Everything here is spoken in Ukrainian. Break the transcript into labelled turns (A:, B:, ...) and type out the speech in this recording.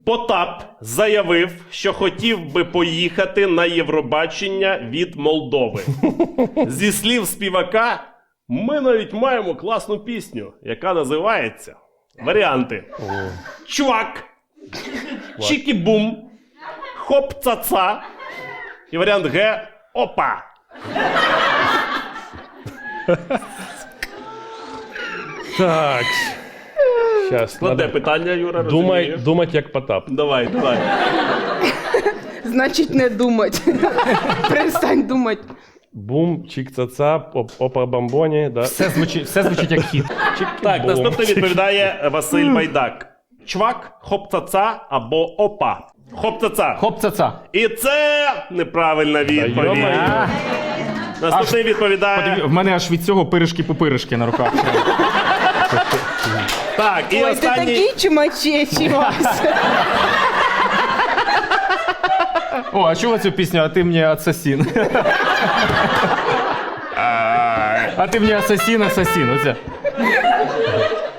A: Потап заявив, що хотів би поїхати на Євробачення від Молдови. Зі слів співака, ми навіть маємо класну пісню, яка називається варіанти. Чувак, Чікі-бум, Хоп-ца-ца і варіант Г – Опа.
B: Так. Щас,
A: Складне питання, Юра, розумію.
B: думать як Потап.
A: Давай.
C: Значить, не думать. Перестань думати.
B: Бум, чик-ца-ца, опа-бамбоні, да.
D: Все звучить як хіт.
A: Так, наступне відповідає Василь Байдак. Чвак, хоп-ца-ца або опа. Хоп-ца-ца.
D: Хоп-ца-ца.
A: І це неправильна відповідь.
B: йо-моє.
A: Наступний відповідає...
D: В мене аж від цього пиришки-пупиришки на руках.
A: Так, і
C: Ой, ти
A: останній...
C: такий чумачечий, Вася.
D: О, а чула цю пісню, а ти мені асасін. А ти мені асасін. Оце.